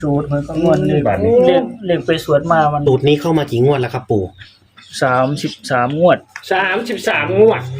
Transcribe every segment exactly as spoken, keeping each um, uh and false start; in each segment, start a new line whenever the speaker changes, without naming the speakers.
สูตรมันก็งวดเลขเลขเลขไปสวดมามัน
สูตรนี้เข้ามากี่งวดแล้วครับปู่
สามสิบสามงวด
สามสิบสามงวด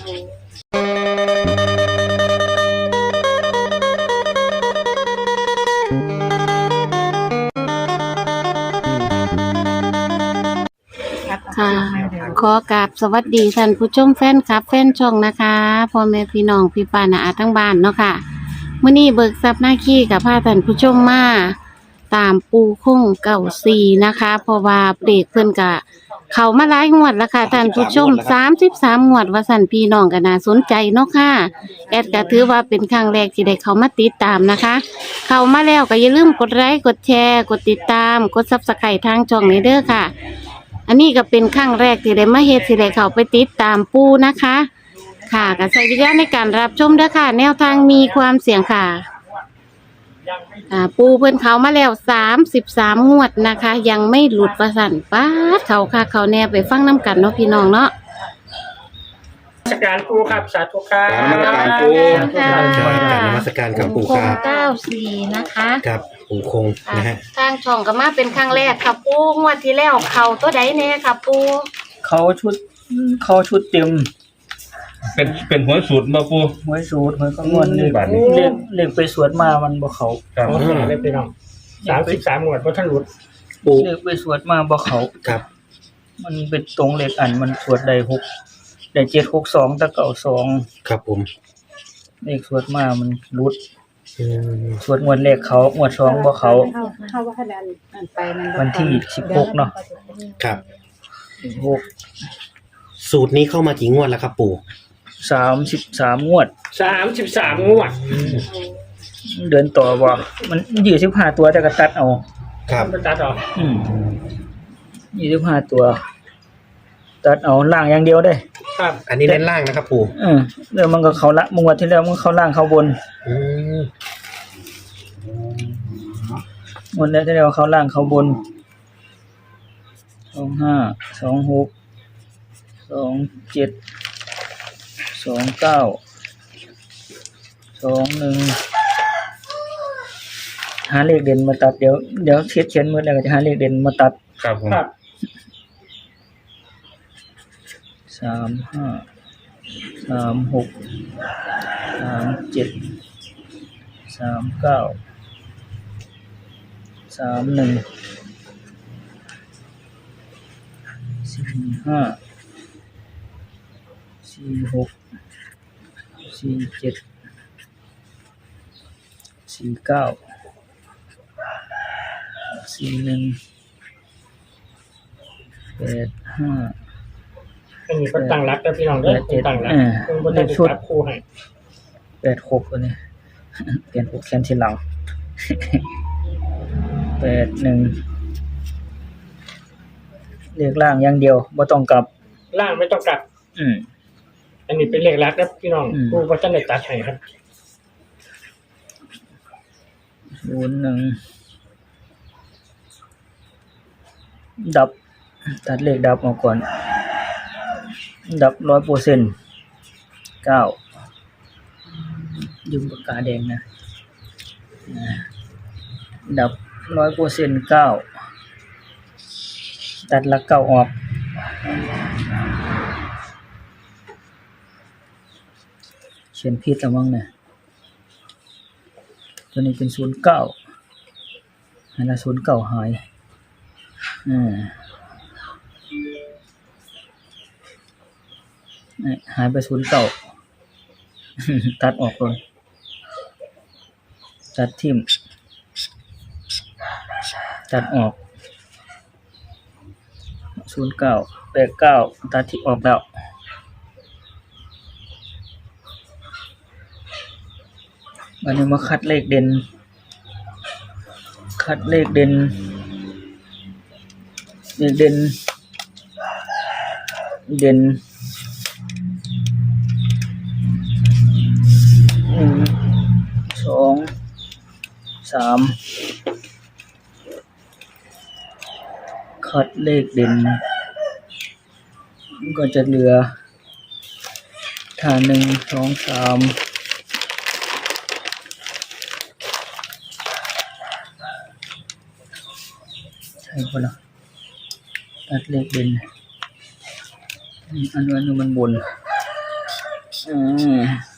ค่ะขอกราบสวัสดีท่านผู้ชมแฟนคลับแฟนช่องนะคะพ่อแม่พี่น้องพี่ป้าน้าอาทั้งบ้านเนาะค่ะมื้อนี้เบิกทรัพย์หน้าขี้กับพาท่านผู้ชมมาตามปูคงเก่าสี่นะคะเพราะว่าเบรกเพิ่นกะเข้ามาหลายงวดแล้วค่ะท่านผู้ชมสามสิบสามงวดว่าสั่นพี่น้องก็น่าสนใจเนาะค่ะแอดก็ถือว่าเป็นครั้งแรกที่ได้เข้ามาติดตามนะคะเข้ามาแล้วก็อย่าลืมกดไลค์กดแชร์กดติดตามกด ซับสไครบ์ ทางช่องนี้เด้อค่ะอันนี้ก็เป็นครั้งแรกที่ได้มาเฮ็ดที่ได้เข้าไปติดตามปูนะคะค่ะก็ใช้วิจารณญาณในการรับชมเด้อค่ะแนวทางมีความเสี่ยงค่ะอ่าปูเพิ่นเขามาแล้วสามสิบสามงวดนะคะยังไม่หลุดประสันป๊าดเขาค่ะเขาแน่ไปฟังน้ำกันเนาะพี่น้องเนาะ
นมัสการปูครับสาธุครับ
นมัสการปู
ค่ะ
นมัสการกับปู่ครับ
เก้าสี่นะคะ
ครับปู่คงนะฮะ
ทางช่องก็มาเป็นครั้งแรกค่ะปูงวดที่แล้วเขาตัวใดแน่ค่ะปู
เขาชุดเขาชุดเต็ม
เป็นเป็นหัวสูตรมาปู
หัวสูตรมันก็งวดเลขเลขเลขไปสวดมามันบ่เขา
ครับเลขไปน้องสามสิบสามงวดบ่ทันหลุด
ปูเลขไปสวดมาบ่เขา
ครับ
มันเป็นตรงเลขอันมันสวดได้หกได้เจ็ดหกสองตะเก่าสอง
ครับผม
เลขสวดมามันรุดสวดงวดเลขเขางวดสองบ่เขา
เข้าว่าคะแนนอันไปมัน
วันที่สิบหกเนาะ
ครับ
สิบหก
สูตรนี้เข้ามากี่งวดแล้วครับปู่
สามสิบสามงวด
สามสิบสามงวด
เดินต่อบ่มันยี่สิบห้าตัวแต่ก็ตัดเอา
ครับ
ตัดเอา
อืมยี่สิบห้าตัวตัดเอาล่างอย่างเดียวได้
ครับอันนี้เน้นล่างนะครับปู่
เออแล้วมันก็เข้าละงวดที่แล้วมันเข้าล่างเข้าบน
อืม
งวดแล้วที่แล้วเข้าล่างเข้าบนสองห้าสองหกสองเจ็ดสองเก้าสองหนึ่งหาเลขเด่นมาตัดเดี๋ยวเดี๋ยวเขียนเขียนมือแล้วก็จะหาเลขเด่นมาตัด
ครับผม
สามห้าสามหกสามเจ็ดสามเก้าสามหนึ่งสี่ห้าสี่หกสี่เจ็ดสี่เก้าสี่หนึ่งแปดห้า
อันนี้ก็ตั้งรักแล้วพี่น้องเด้อตั้งรักเพิ่นบ่ได้ชุดคู่ให้
แปดหกตัวนี้เปลี่ยนหกแขนทีหลังแปดหนึ่งเลขล่างอย่างเดียวบ่ต้องกลับ
ล่างไม่ต้องกลับ
อืม
อันนี้เป็นเลขรักนะพี่น้องผู้บ่ทันได้ตัดให้ครับ
ศูนย์หนึ่งดับตัดเลขดับออกก่อนดับ ร้อยเปอร์เซ็นต์ เก้ายืมปากกาแดงนะดับ ร้อยเปอร์เซ็นต์ เก้าตัดหลักเก้าออกเขียนผิดแล้วมั้งเนี่ยตัวนี้เป็นศูนย์เก้าอันนั้นศูนย์เก้าหายอ่าหายไปศูนย์เก้าตัดออกเลยตัดทิ่มตัดออกศูนย์เก้าแปดเก้าตัดทิ่มออกแล้ววันนี้มาคัดเลขเด่นคัดเลขเด่นเลขเด่นเด่นหนึ่งสองสามคัดเลขเด่นก็จะเหลือถ้าหนึ่งสองสาม หช่ปะเนาะตัดเลขเด่นอืมอันนั้นมันบนอืม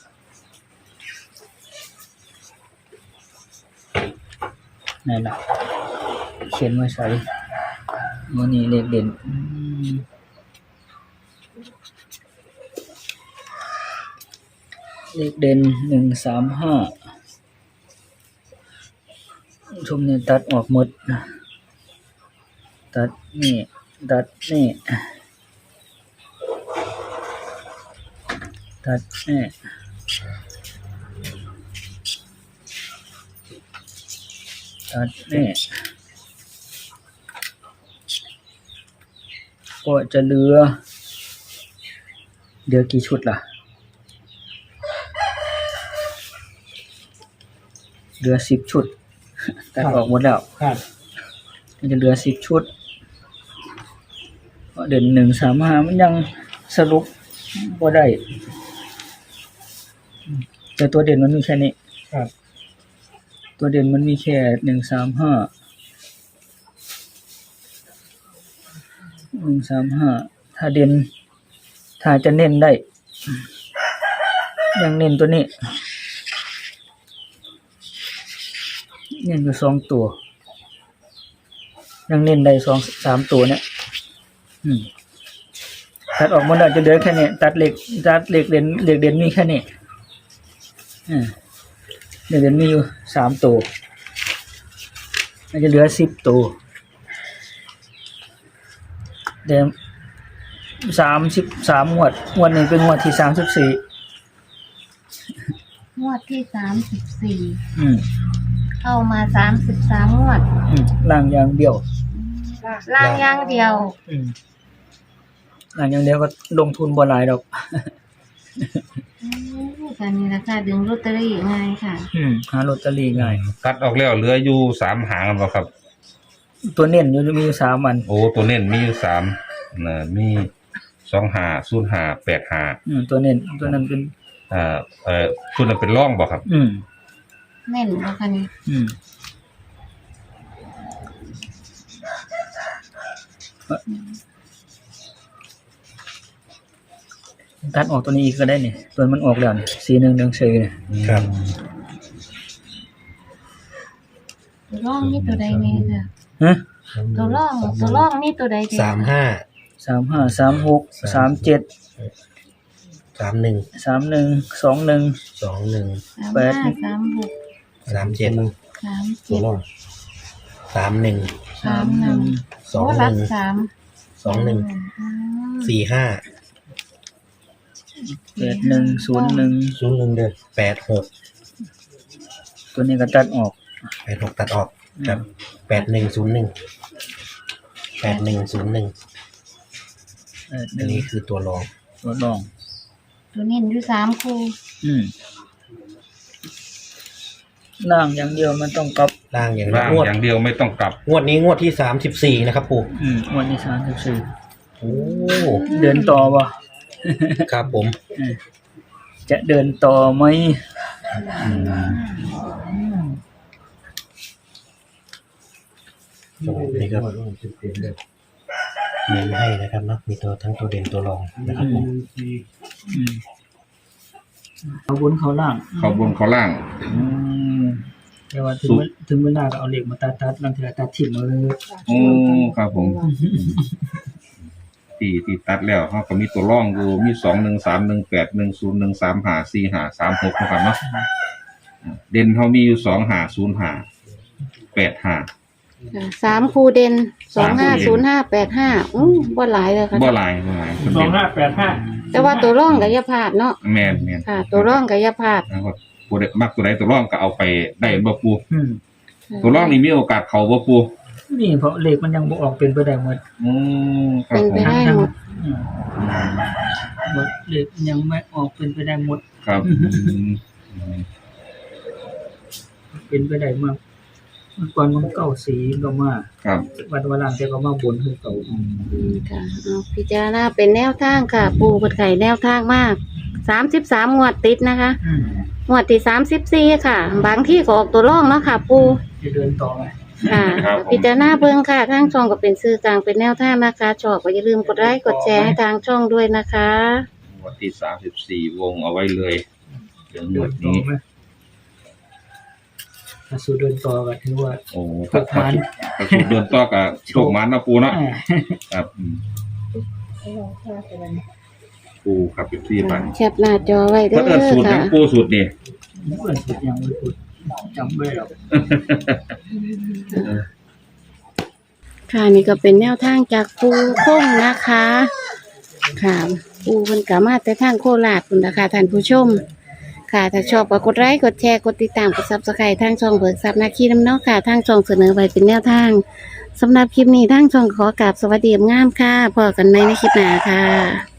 ไหนล่ะเขียนไว้ใส่วันนี้เลขเด่นอืมเลขเด่นหนึ่งสามห้าชมเนี่ยตัดออกหมดตัดนี่ตัดนี่ตัดนี่ตัดนี่ก็จะเหลือเดี๋ยวกี่ชุดล่ะเหลือสิบชุดตัดออกหมดแล้ว
ครับ
มันจะเหลือสิบชุดเพราะเด่นหนึ่งสามห้ามันยังสรุปบ่ได้แต่ตัวเด่นมันมีแค่นี้
ครับ
ตัวเด่นมันมีแค่หนึ่งสามห้าหนึ่งสามห้าถ้าเด่นถ้าจะเน้นได้ยังเน้นตัวนี้เน้นอยู่สองตัวยังเน้นได้สองสามตัวเนี่ยอืมตัดออกหมดแล้วจะเหลือแค่นี้ตัดเหล็กตัดเหล็กเด่นเหล็กเด่นมีแค่นี้อืมเหล็กเด่นมีอยู่สามตัวมันจะเหลือสิบตัวเดี๋ยวสามสิบสามงวดงวดนี้เป็นงวดที่สามสิบสี่
งวดที่สามสิบสี่
อืม
เข้ามาสามสิบสามงวด
อืมล่างอย่างเดียว
ล่างอย่างเดียว
อืมล่างอย่างเดียวก็ลงทุนบ่หลายดอก
อืมการนี้ราคาดึงลอตเตอรี่ง่ายค่ะ
อืมหาลอตเตอรี่ง่าย
ตัดออกแล้วเหลืออยู่สามหางแล้วบ่ครับ
ตัวเน้นอยู่มีอยู่สามอัน
โอ้ตัวเน้นมีอยู่สามนะมีสองหาศูนย์หาแปดหา
อืมตัวเน้นตัวนั้นเป็น
อ่าเอ่อชุดนั้นเป็นร่องบ่ครับ
อืม
แน่นบ่คะนี่
อืมตัดออกตัวนี้อีกก็ได้นี่ตัวมันออกแล้วนี่สีหนึ่งหนึ่งสี่เนี่ย
ครับ
ตัวร่องนี่ตัวใดนี่ค่ะ
ฮะ
ตัวร่องตัวร่องนี่ตัวใดเด็ด
สามห้า
สามห้าสามหกสามเจ็ด
สามหนึ่ง
สามหนึ่งสองหนึ่ง
สองหนึ่ง
สาม
แปด
ห้าสามหก
สามเจ็ด
สาม
ตัว
เจ็ด
รอดสามหนึ่ง
สามหนึ่ง
สอง
โอ้
ห
รั
นึ่
ก
ง
สาม
สองหนึ่ง
อืม
สี่ห้า
แปดหนึ่งศูนย์หนึ่ง
ศูนย์หนึ่งเด้อแปดหก
ตัวนี้ก็ตัดออก
แปดหกตัดออกครับแปดหนึ่งศูนย์หนึ่งแปดหนึ่งศูนย์หนึ่ง
แปดห
อั
นึ่
น
ง
นี้คือตัวรอง
ตัวรอง
ตัวนี้อยู่สามคู่
อืมล่างอย่างเดียวมันต้องกลับ
ล่างอย่าง
ร่าง
งวด
อย่างเดียวไม่ต้องกลับ
งวดนี้งวดที่สามสิบสี่นะครับปู่
อืมวันที่สามสิบสี่
โอ้
เดินต่อวะ
ครับผม
อืมจะเดินต่อไหม
นี่ก็เน้นให้นะครับเนาะมีตัวทั้งตัวเด่นตัวรองนะครับผม
อืมเขาบนเขาล่าง
เขาบนเขาล่าง
อืมแต่ว่าถึงเวลถึงเวลาก็เอาเหล็กมาตัดตัดลังเทือตัดถิ่มมาเลย
โอ้ครับผมตีตีตัดแล้วเขาก็มีตัวร่องอยู่มีสองหนึ่งสามหนึ่งแปดหนึ่งศูนย์หนึ่งสามหาสี่หาสามหกนะครับเนาะอ่าเด่นเขามีอยู่สองหาศูนย์หาแปดหา
ค่ะสามคู่เด่นสอง
สามคู่
ห้า
เด่
ศูน
น
ย์ห้าแปดห้าอู้บ่หลายเลยค่ะ
บ่หลายบ่หลาย
สองห้าแปดห้า
แต่ว่าตัวร่องกับยาพลาดเนาะ
แม่นแม่น
ค่ะ ตัวร่องกับยาพลาด
แล้วก็ผู้ใดมักตัวใดตัวร่องก็เอาไปได้บ่ปู
อืม
ตัวร่องนี่มีโอกาสเข้าบ่ปู
นี่เพราะเหล็กมันยังบ่ออกเป็นไปได้หมด
อืมครับ
เป็น
ผ
ไป
ม
ได้หมด
อืมหมดเหล็กยังไม่ออกเป็นไปได้หมด
ครับอืม
เป็นไปได้มากเมื่อก่อนมันเก่าสีก็มา
ครับ
วันวันหลังแต่ก็มาบนคือเก่า
อืมค่ะเอาพิจารณาเป็นแนวทางค่ะ ปูกดไข่แนวทางมากสามสิบสามงวดติดนะคะ
อืม
งวดที่สามสิบสี่ค่ะ บางที่ก็ออกตัวร่องเนาะค่ะ ปู
จะเดินต่อไหม
ค่ะ
ครับผม
พิจารณาเบิ่งค่ะทางช่องก็เป็นสื่อกลางเป็นแนวทางนะคะชอบก็อย่าลืมกดไลค์กดแชร์ให้ทางช่องด้วยนะคะ
วันที่สามสิบสี่วงเอาไว้เลยเดี๋ยวหม
เดิ
ว
น
ด
ต่อ
นี้
ไหมถ้าสู้เดินต่อก็ถือว่า
โอ้
ถู
ถ้าก
มัน
ถ้าสูตรเดินต่อกับโชคมันนะปูเนาะ
อ่า
ครับอืมปูครับเป็นที่ปัน
แคปหน้าจอไว้เด้
เพื่อน
อ
สูตร
ค่ะ
ทั้งปูสูตรนี่
เพื่อนสุดยังไม่พูดจำไม่ได้หรอก
ค่ะนี่ก็เป็นแนวทางจากปูคงนะคะ ค่ะปูเพิ่นก็มาแต่ทางโคราชพุ่นนะคะท่านผู้ชม ค่ะถ้าชอบก็กดไลค์กดแชร์กดติดตามกด Subscribe ทางช่องเบิกทรัพย์นาคีน้ำเนาะค่ะทางช่องเสนอไว้เป็นแนวทางสำหรับคลิปนี้ทางช่องขอกราบสวัสดีงามค่ะพบกันใหม่ในคลิปหน้าค่ะ